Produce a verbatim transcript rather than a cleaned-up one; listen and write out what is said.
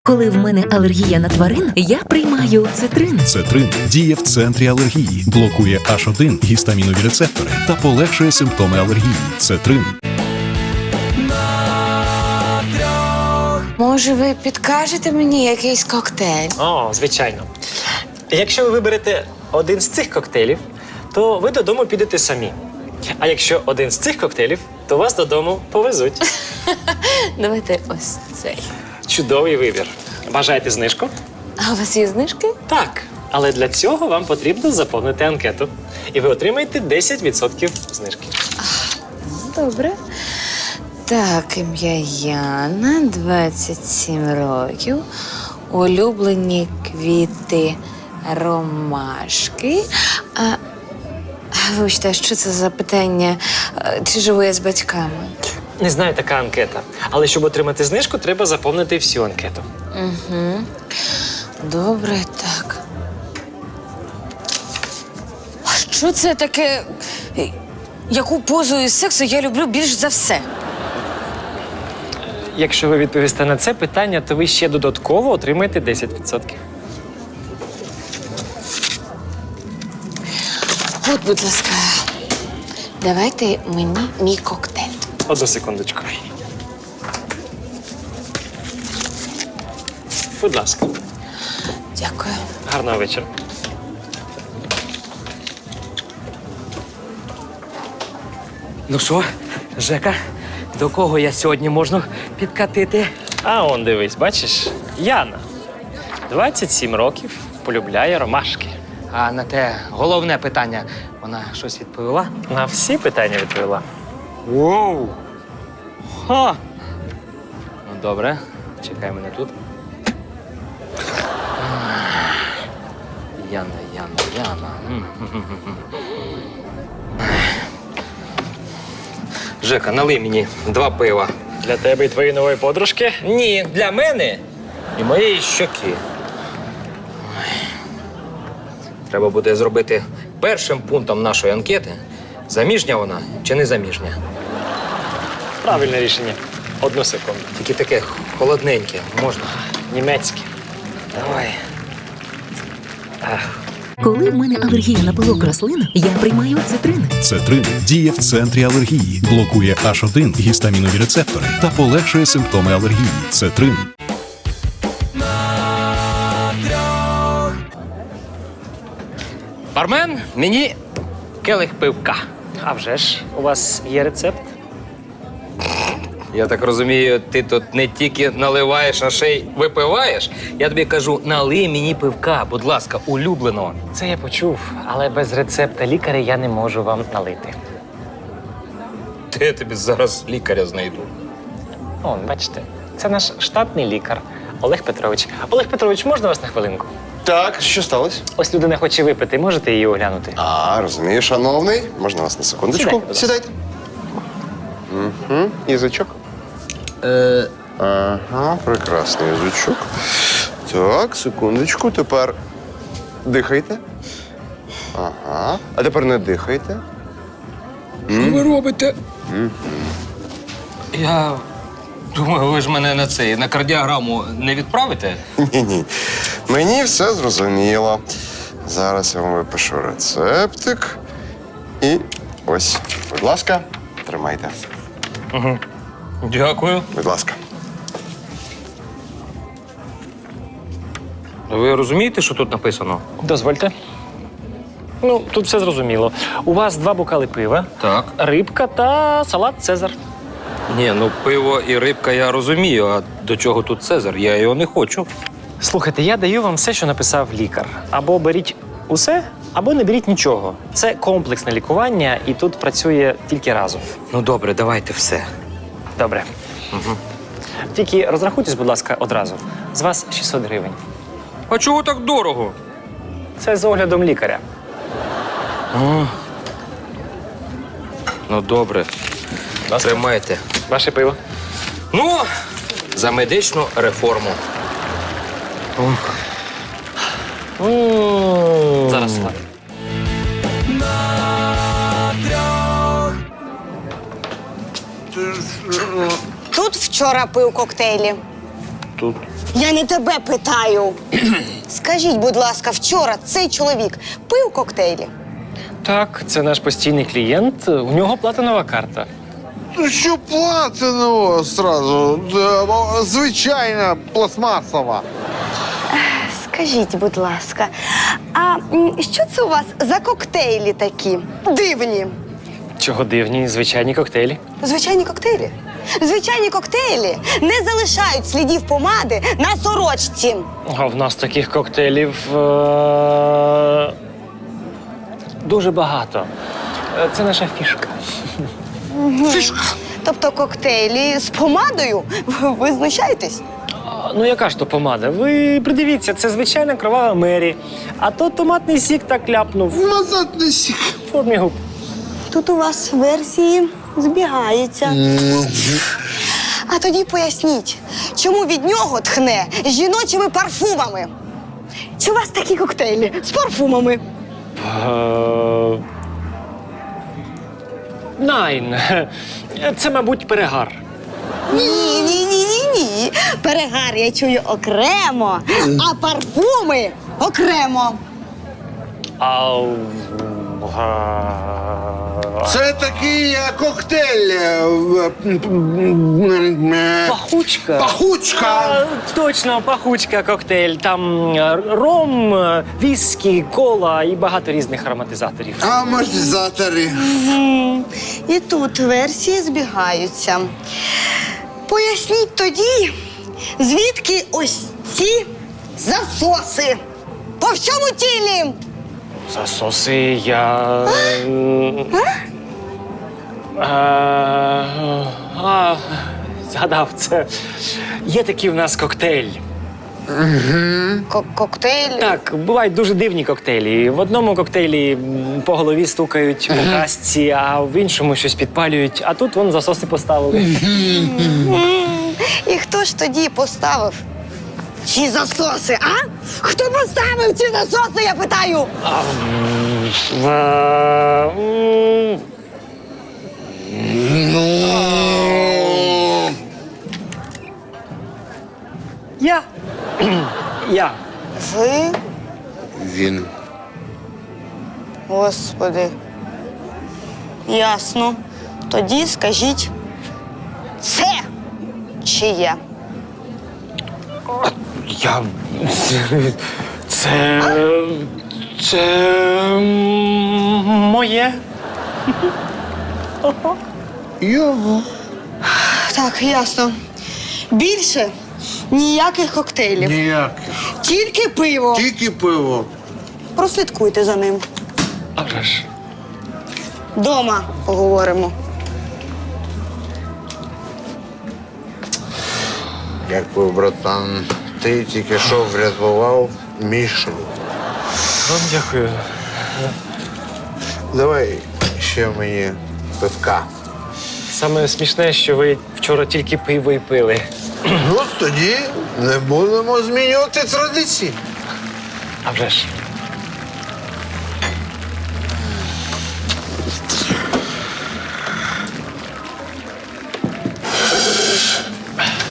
Коли в мене алергія на тварин, я приймаю цитрин. Цетрин діє в центрі алергії, блокує аш один гістамінові рецептори та полегшує симптоми алергії. Цетрин. Може, ви підкажете мені якийсь коктейль? О, звичайно. Якщо ви виберете один з цих коктейлів, то ви додому підете самі. А якщо один з цих коктейлів, то вас додому повезуть. Давайте ось цей. Чудовий вибір. Бажаєте знижку? А у вас є знижки? Так. Але для цього вам потрібно заповнити анкету. І ви отримаєте десять відсотків знижки. Добре. Так, ім'я Яна, двадцять сім років. Улюблені квіти ромашки. А, вибачте, що це за питання? А, Чи живу я з батьками? Не знаю, така анкета. Але щоб отримати знижку, треба заповнити всю анкету. Угу. Добре, так. А що це таке? Яку позу із сексу я люблю більш за все? Якщо ви відповісте на це питання, то ви ще додатково отримаєте десять відсотків. От, будь ласка, давайте мені мій коктейль. Одну секундочку. Будь ласка. Дякую. Гарного вечора. Ну що, Жека, до кого я сьогодні можу підкатити? А он дивись, бачиш? Яна. двадцять сім років, полюбляє ромашки. А на те головне питання, вона щось відповіла? На всі питання відповіла. Воу! Ха! Ну, добре, чекай мене тут. Яна, Яна, Яна. М-м-м-м. Жека, налий мені два пива. Для тебе і твоєї нової подружки? Ні, для мене і моєї щоки. Треба буде зробити першим пунктом нашої анкети, заміжня вона чи не заміжня. Правильне рішення. Одну секунду. Тільки таке холодненьке, можна? Німецьке. Давай. Коли в мене алергія на пилок рослин, я приймаю цитрин. Цетрин діє в центрі алергії, блокує аш один гістамінові рецептори та полегшує симптоми алергії. Цетрин. Бармен, мені келих пивка. А вже ж, у вас є рецепт? Я так розумію, ти тут не тільки наливаєш, а ще й випиваєш. Я тобі кажу, налий мені пивка, будь ласка, улюбленого. Це я почув, але без рецепта лікаря я не можу вам налити. Де я тобі зараз лікаря знайду? О, бачите, це наш штатний лікар Олег Петрович. Олег Петрович, можна вас на хвилинку? Так, що сталося? Ось людина хоче випити, можете її оглянути? А, розумію, шановний. Можна вас на секундочку? Сідайте, будь ласка. Сідайте. Угу. Язичок. Е, Ага, прекрасний язичок. Так, секундочку. Тепер дихайте. Ага. А тепер не дихайте. що ви робите? Я думаю, ви ж мене на цей, на кардіограму не відправите? Ні-ні. Мені все зрозуміло. Зараз я вам випишу рецептик. І ось, будь ласка, тримайте. Дякую. Будь ласка. Ви розумієте, що тут написано? Дозвольте. Ну, тут все зрозуміло. У вас два бокали пива, Так. рибка та салат Цезар. Ні, ну пиво і рибка я розумію, а до чого тут Цезар? Я його не хочу. Слухайте, я даю вам все, що написав лікар. Або беріть усе, або не беріть нічого. Це комплексне лікування, і тут працює тільки разом. Ну добре, давайте все. Добре. Угу. Тільки розрахуйтесь, будь ласка, одразу. З вас шістсот гривень. А чого так дорого? Це з оглядом лікаря. А. Ну добре, тримайте. Ваше пиво. Ну, за медичну реформу. Зараз салат. Тут вчора пив коктейлі. Тут Я не тебе питаю. Скажіть, будь ласка, вчора цей чоловік пив коктейлі? Так, це наш постійний клієнт. У нього платинова карта. Ну що платиново сразу? Е, Звичайна пластмасова. Скажіть, будь ласка, а м, що це у вас за коктейлі такі? Дивні. Чого дивні, звичайні коктейлі. Звичайні коктейлі. Звичайні коктейлі не залишають слідів помади на сорочці. А в нас таких коктейлів е- дуже багато. Е, Це наша фішка. Тобто коктейлі з помадою? Ви знущаєтесь? А, Ну, яка ж то помада? Ви придивіться, це звичайна кровава Мері. А то томатний сік так ляпнув Назад не сік. в формі губ. Тут у вас версії збігаються. А тоді поясніть, чому від нього тхне жіночими парфумами? Чи у вас такі коктейлі з парфумами? Е, Найн. Це, мабуть, перегар. Ні, ні, ні, ні, ні. Перегар я чую окремо, а парфуми окремо. А... Це такий е, коктейль. е, м, м, е, Пахучка. Пахучка. А, точно, пахучка коктейль. Там е, ром, е, віскі, кола і багато різних ароматизаторів. Амортизатори. Мгм. І тут версії збігаються. Поясніть тоді, звідки ось ці засоси по всьому тілі. Засоси я. е, е, А, згадав це. Є такий в нас коктейль. Ко- коктейль. Так, бувають дуже дивні коктейлі. В одному коктейлі м, по голові стукають по касці, а в іншому щось підпалюють, а тут вон засоси поставили. М, І хто ж тоді поставив ці засоси, а? Хто поставив ці засоси, я питаю? Е, м, Я. Я. Ви? Він. Господи. Ясно. Тоді скажіть, це чиє? Я. Це. Це. Моє. Його. Так, ясно. Більше ніяких коктейлів. Ніяких. Тільки пиво. Тільки пиво. Прослідкуйте за ним. А вже ж. Дома поговоримо. Дякую, братан. Ти тільки що врятував мій шлюб. Вам дякую. Давай ще мені пивка. Саме смішне, що ви вчора тільки пиво і пили. Ну, тоді не будемо змінювати традиції. А вже ж.